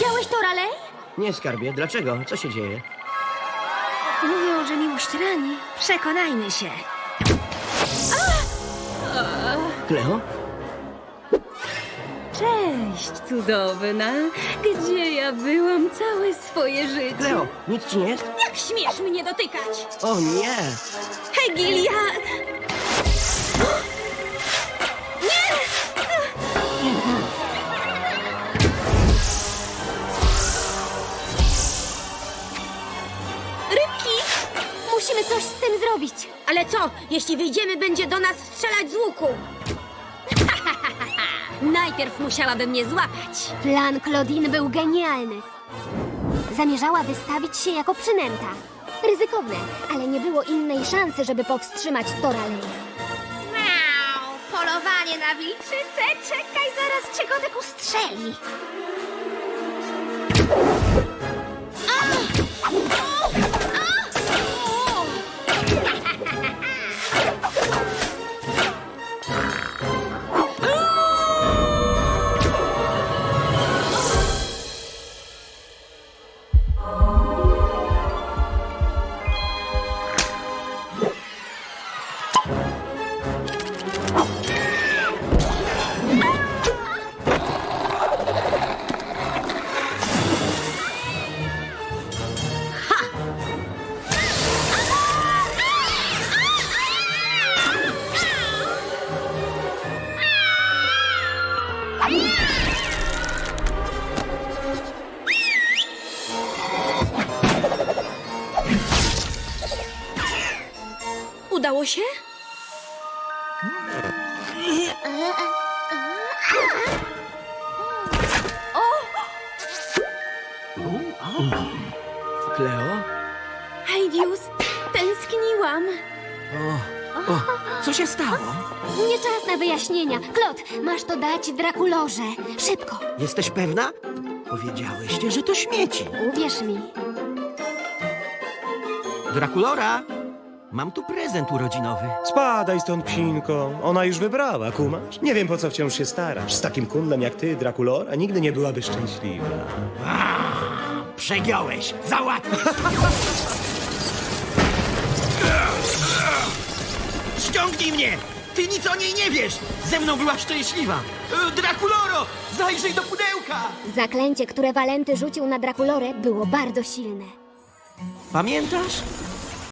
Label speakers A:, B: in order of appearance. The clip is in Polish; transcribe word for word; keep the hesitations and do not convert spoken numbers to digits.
A: Widziałeś to, Raleigh?
B: Nie, skarbie, dlaczego? Co się dzieje?
A: Mówią, że miłość rani. Przekonajmy się.
B: Kleo?
A: Cześć, cudowna. Gdzie ja byłam całe swoje życie?
B: Kleo, nic ci nie jest?
A: Jak śmiesz mnie dotykać?
B: O nie!
A: Hej, Gilia! Rybki! Musimy coś z tym zrobić. Ale co, jeśli wyjdziemy, będzie do nas strzelać z łuku? Najpierw musiałaby mnie złapać.
C: Plan Claudine był genialny. Zamierzała wystawić się jako przynęta. Ryzykowne, ale nie było innej szansy, żeby powstrzymać Toralej.
A: Miau! Polowanie na wilczycę? Czekaj, zaraz cię Godek ustrzeli. Udało się?
B: Kleo?
A: Heidius, tęskniłam.
B: O, o, co się stało?
C: Nie czas na wyjaśnienia. Claude, masz to dać Drakulorze. Szybko.
B: Jesteś pewna? Powiedziałyście, że to śmieci.
C: Uwierz mi.
B: Drakulora, mam tu prezent urodzinowy.
D: Spadaj stąd, psinko. Ona już wybrała, kumasz? Nie wiem, po co wciąż się starasz. Z takim kundlem jak ty, Drakulora, nigdy nie byłaby szczęśliwa.
B: Przegiąłeś! Załatwisz! Ściągnij mnie! Ty nic o niej nie wiesz! Ze mną była szczęśliwa! E, Drakuloro! Zajrzyj do pudełka!
C: Zaklęcie, które Walenty rzucił na Drakulorę, było bardzo silne.
B: Pamiętasz?